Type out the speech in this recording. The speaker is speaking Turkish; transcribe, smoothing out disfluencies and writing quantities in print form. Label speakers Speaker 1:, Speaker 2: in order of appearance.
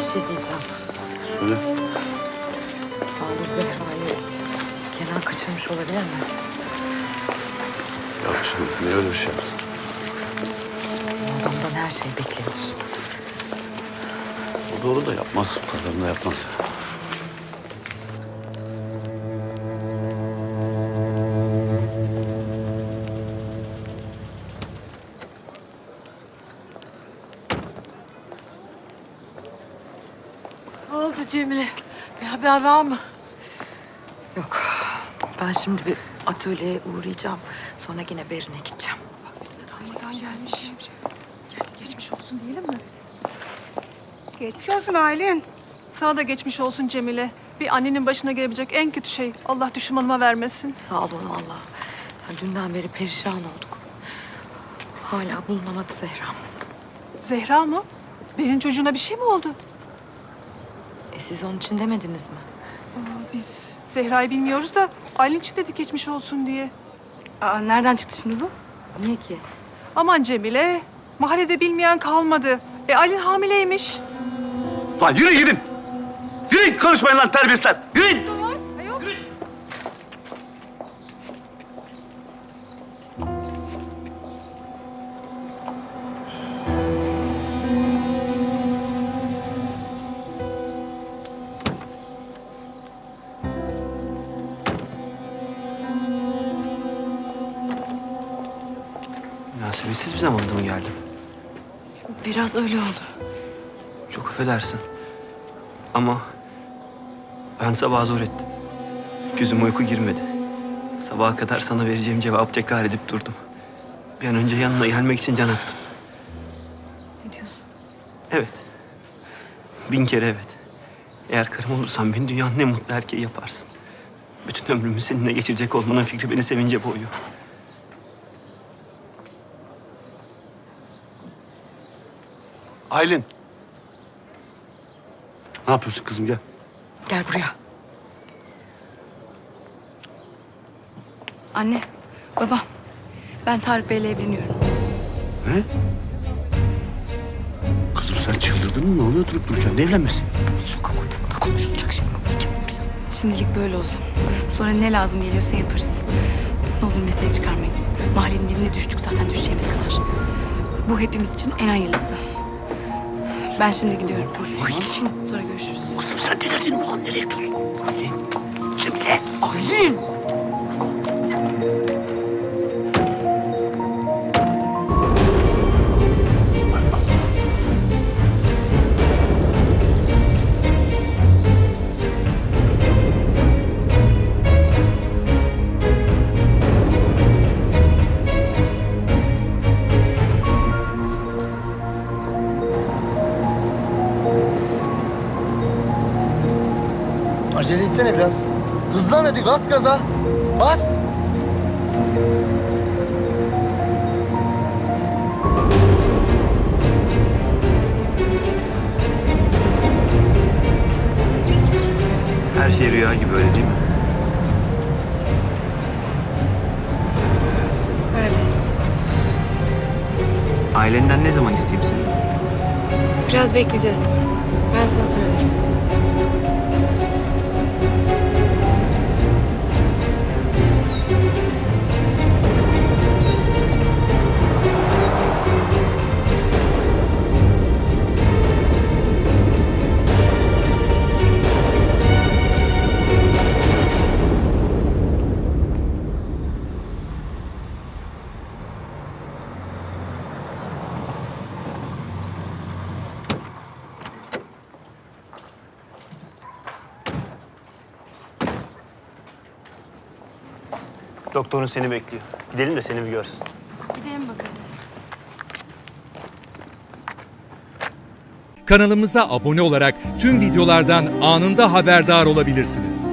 Speaker 1: şey diyeceğim.
Speaker 2: Söyle.
Speaker 1: Ya bu Zehra'yı Kenan kaçırmış olabilir mi?
Speaker 2: Yok canım, niye öyle bir şey yapsın?
Speaker 1: Bu adamdan her şey beklenir.
Speaker 2: O doğru da yapmaz, bu kadarını da yapmaz.
Speaker 3: Ne oldu Cemile? Bir haber var mı?
Speaker 1: Yok. Ben şimdi bir atölyeye uğrayacağım. Sonra yine Berin'e gideceğim.
Speaker 3: Neden gelmiş? Geçmiş olsun diyelim mi?
Speaker 4: Geçmiş olsun Aylin.
Speaker 3: Sana da geçmiş olsun Cemile. Bir annenin başına gelebilecek en kötü şey. Allah düşmanıma vermesin.
Speaker 1: Sağ olun valla. Ya dünden beri perişan olduk. Hala bulunamadı Zehra.
Speaker 3: Zehra mı? Berin çocuğuna bir şey mi oldu?
Speaker 1: Siz onun için demediniz mi?
Speaker 3: Biz Zehra'yı bilmiyoruz da Aylin için dedik geçmiş olsun diye.
Speaker 4: Aa, nereden çıktı şimdi bu?
Speaker 1: Niye ki?
Speaker 3: Aman Cemile, mahallede bilmeyen kalmadı. Aylin hamileymiş.
Speaker 2: Lan yürü gidin! Yürüyün, konuşmayın lan terbiyesizler! Yürüyün!
Speaker 5: Münasebetsiz bir zamanda mı geldim?
Speaker 1: Biraz öyle oldu.
Speaker 5: Çok affedersin. Ama ben sabah zor ettim. Gözüme uyku girmedi. Sabaha kadar sana vereceğim cevabı tekrar edip durdum. Bir an önce yanına gelmek için can attım.
Speaker 1: Ne diyorsun?
Speaker 5: Evet. 1000 kere evet. Eğer karım olursan beni dünyanın en mutlu erkeği yaparsın. Bütün ömrümü seninle geçirecek olmanın fikri beni sevince boğuyor.
Speaker 2: Aylin! Ne yapıyorsun kızım, gel.
Speaker 1: Gel buraya.
Speaker 4: Anne, baba. Ben Tarık Bey'le evleniyorum.
Speaker 2: Ne? Kızım sen çıldırdın mı? Ne oluyor durup dururken? Ne evlenmesi?
Speaker 1: Sokak ortasında konuşulacak şey mi? Gel buraya.
Speaker 4: Şimdilik böyle olsun. Sonra ne lazım geliyorsa yaparız. Ne olur mesele çıkarmayın. Mahallenin diline düştük zaten düşeceğimiz kadar. Bu hepimiz için en hayırlısı. Ben şimdi gidiyorum. Sonra görüşürüz.
Speaker 2: Kızım sen delirdin mi lan? Nereye gidiyorsun? Aylin! Cemile!
Speaker 1: Aylin!
Speaker 6: Acele etsene biraz. Hızlan hadi, bas gaza. Bas.
Speaker 5: Her şey rüya gibi öyle değil mi?
Speaker 4: Öyle.
Speaker 5: Ailenden ne zaman isteyeyim seni?
Speaker 4: Biraz bekleyeceğiz. Ben sana söylerim.
Speaker 5: Doktorun seni bekliyor. Gidelim de seni bir görsün.
Speaker 4: Gidelim bakalım.
Speaker 7: Kanalımıza abone olarak tüm videolardan anında haberdar olabilirsiniz.